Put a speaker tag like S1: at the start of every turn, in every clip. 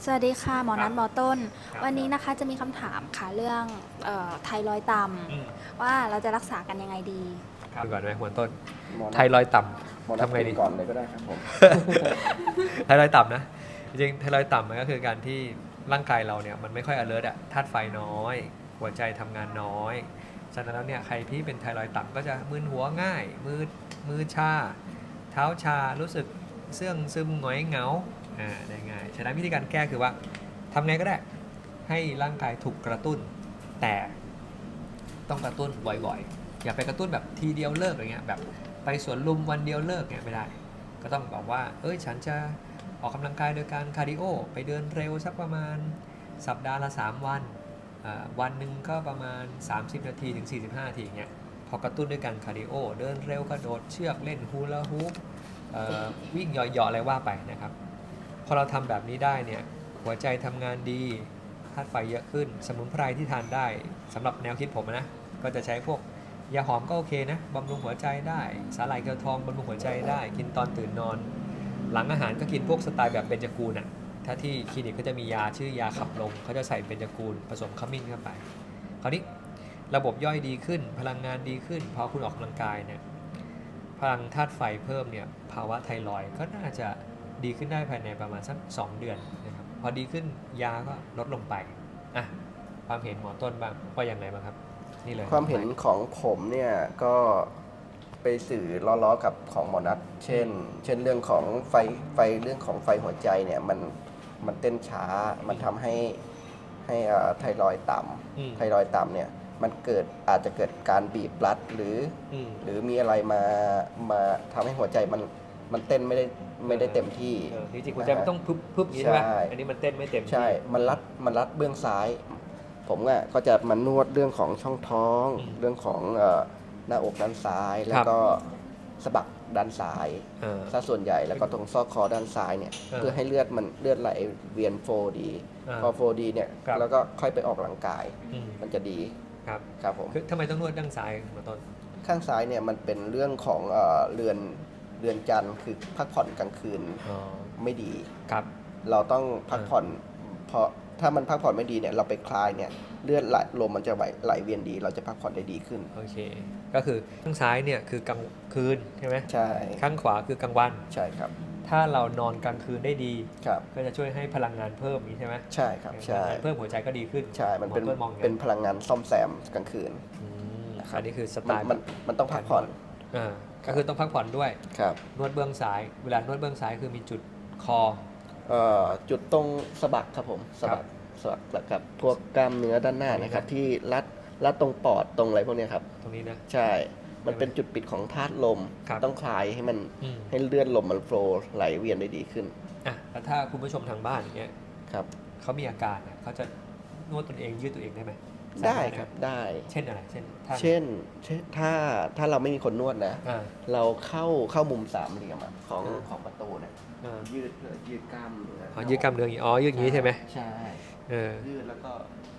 S1: สวัสดีค่ะหมอนัทหมอต้น
S2: ครับ
S1: วันนี้นะคะจะมีคำถามค่ะเรื่องไทรอยด์ต่ำว่าเราจะรักษากันยังไงดี
S2: ดูก่อนไหมหัวต้น
S3: หมอนั
S2: ไทรอยด์ต่
S3: หมอ
S2: ำ
S3: นัด
S2: ทำไงดี
S3: ก่อนเลยก็ได้ครับผม
S2: ไทรอยด์ต่ำนะจริงๆไทรอยด์ต่ำมันก็คือการที่ร่างกายเราเนี่ยมันไม่ค่อย alert อะธาตุไฟน้อยหัวใจทำงานน้อยฉะนั้นแล้วเนี่ยใครที่เป็นไทรอยด์ต่ำก็จะมึนหัวง่ายมือชาเท้าชารู้สึกเสื่องซึมหงอยเหงาได้ง่ายฉะนั้นวิธีการแก้คือว่าทำไงก็ได้ให้ร่างกายถูกกระตุ้นแต่ต้องกระตุ้นบ่อยๆอย่าไปกระตุ้นแบบทีเดียวเลิกอะไรเงี้ยแบบไปสวนลุมวันเดียวเลิกเงี้ยไม่ได้ก็ต้องบอกว่าฉันจะออกกำลังกายโดยการคาร์ดิโอไปเดินเร็วสักประมาณสัปดาห์ละ3วันวันหนึ่งก็ประมาณ30นาทีถึง45นาทีเงี้ยพอกระตุ้นด้วยการคาร์ดิโอเดินเร็วกระโดดเชือกเล่นฮูลาฮูปวิ่งเหยาะๆอะไรว่าไปนะครับพอเราทำแบบนี้ได้เนี่ยหัวใจทำงานดีธาตุไฟเยอะขึ้นสมุนไพรที่ทานได้สำหรับแนวคิดผมนะก็จะใช้พวกยาหอมก็โอเคนะบำรุงหัวใจได้สาหร่ายเกลือทองบำรุงหัวใจได้กินตอนตื่นนอนหลังอาหารก็กินพวกสไตล์แบบเบญจกูลน่ะถ้าที่คลินิกก็จะมียาชื่อยาขับลมเขาจะใส่เบญจกูลผสมขมิ้นเข้าไปคราวนี้ระบบย่อยดีขึ้นพลังงานดีขึ้นพอคุณออกกำลังกายเนี่ยพลังธาตุไฟเพิ่มเนี่ยภาวะไทรอยด์ก็น่าจะดีขึ้นได้ภายในประมาณสัก2เดือนนะครับพอดีขึ้นยาก็ลดลงไปอ่ะความเห็นหมอต้นบ้างว่าอย่างไรบ้างครับนี่เลย
S3: ความเห็นของผมเนี่ยก็ไปสื่อล้อๆกับของหมอนัทเช่นเรื่องของเรื่องของไฟหัวใจเนี่ยมันเต้นช้ามันทำให้ไทรอยด์ต่ำไทรอยด์ต่ำเนี่ยมันอาจจะเกิดการบีบรัดหรือมีอะไรมาทำให้หัวใจมันเต้นไม่ได้เต็มที่
S2: จริงๆหัวใจมันต้องพึบอย่างนี้ใช่ไหมอันนี้มันเต้นไม่เต็มที่
S3: ใช่มันรัดเบื้องซ้าย ผมก็จะมานวดเรื่องของช่องท้องเรื่องของหน้าอกด้านซ้าย แล้วก็สะบักด้านซ้ายซะส่วนใหญ่แล้วก็ตรงซอกคอด้านซ้ายเนี่ยเพื่อให้เลือดไหลเวียนโฟดีพอโฟดีเนี่ยแล้วก็ค่อยไปออกกำลังกายมันจะดีครับผม
S2: ทำไมต้องนวดด้านซ้ายมาต้น
S3: ข้างซ้ายเนี่ยมันเป็นเรื่องของเรือนจันทร์คือพักผ่อนกลางคืนไม่ดี
S2: ครับ
S3: เราต้องพักผ่อนเพราะถ้ามันพักผ่อนไม่ดีเนี่ยเราไปคลายเนี่ยเลือดลมมันจะไหลเวียนดีเราจะพักผ่อนได้ดีขึ้น
S2: โอเคก็คือข้างซ้ายเนี่ยคือกลางคืนใช่ไหม
S3: ใช่
S2: ข้างขวาคือกลางวัน
S3: ใช่ครับ
S2: ถ้าเรานอนกลางคืนได้ดี
S3: ครับ
S2: ก็จะช่วยให้พลังงานเพิ่มนี้ใช่ไหม
S3: ใช่ครับใช่
S2: เพิ่มหัวใจก็ดีขึ้น
S3: ใช่มันเป็นพลังงานซ่อมแซมกลางคืน
S2: อันนี้คือสไตล์
S3: มันต้องพักผ่อน
S2: ก็คือต้องพักผ่อนด้วย
S3: ครับ
S2: นวดเบื้องซ้ายเวลานวดเบื้องซ้ายคือมีจุดคอ
S3: จุดตรงสะบักครับผมสะบักกับพวกกล้ามเนื้อด้านหน้านะครับที่รัดตรงปอดตรงอะไรพวกนี้ครับ
S2: ตรงนี้นะ
S3: ใช่มันเป็นจุดปิดของธาตุลมต้องคลายให้มันให้เลือดลมมันโฟลว์ไหลเวียนได้ดีขึ้น
S2: แล้วถ้าคุณผู้ชมทางบ้านอย่างเงี้ย
S3: ครับ
S2: เขามีอาการเขาจะนวดตนเองยืดตัวเองได้ไหม
S3: ได้ครับได้
S2: เช่นอะไรเช่น
S3: ถ้าเราไม่มีคนนวดนะเราเข้ามุมสามเหลี่ยมของประตูเนี่ยยืดกล้ามเนื้อ
S2: ยืดกล้ามเนื้ออย่างนี้ยืดอย่างนี้ใช่ไหม
S3: ใช่ยืดแล้วก็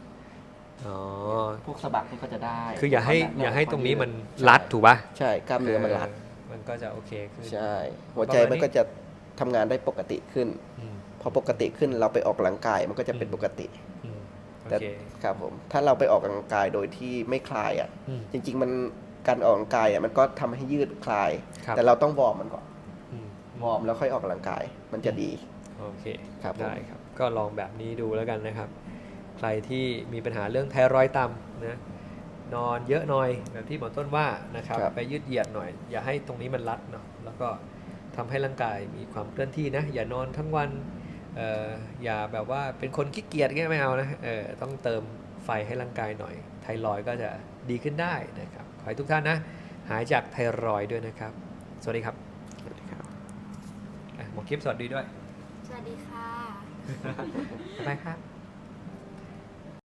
S3: พวกสะบักนี่ก็จะได้
S2: คืออย่าให้ตรงนี้มันรัดถูกป่ะ
S3: ใช่กล้ามเนื้อมันรัด
S2: มันก็จะโอเคขึ้น
S3: ใช่หัวใจมันก็จะทำงานได้ปกติขึ้นพอปกติขึ้นเราไปออกกำลังกายมันก็จะเป็นปกติแต่ครับผมถ้าเราไปออกกำลังกายโดยที่ไม่คลายจริงๆมันการออกกำลังกายมันก็ทำให้ยืดคลายแต่เราต้องวอร์มมันก่อนวอร์มแล้วค่อยออกกำลังกายมันจะดี
S2: โอเค
S3: ครับ
S2: ได้ครับก็ลองแบบนี้ดูแล้วกันนะครับใครที่มีปัญหาเรื่องไทรอยด์ต่ำนะนอนเยอะหน่อยแบบที่หมอต้นว่านะครับไปยืดเหยียดหน่อยอย่าให้ตรงนี้มันรัดเนาะแล้วก็ทำให้ร่างกายมีความเคลื่อนที่นะอย่านอนทั้งวันอย่าแบบว่าเป็นคนขี้เกียจแค่ไม่เอานะต้องเติมไฟให้ร่างกายหน่อยไทรอยด์ก็จะดีขึ้นได้นะครับขอให้ทุกท่านนะหายจากไทรอยด์ด้วยนะครับสวัสดีครับหมอคลิปสวัสดีด้วย
S1: สวัสดีค่ะ
S2: บ๊ายบายครับ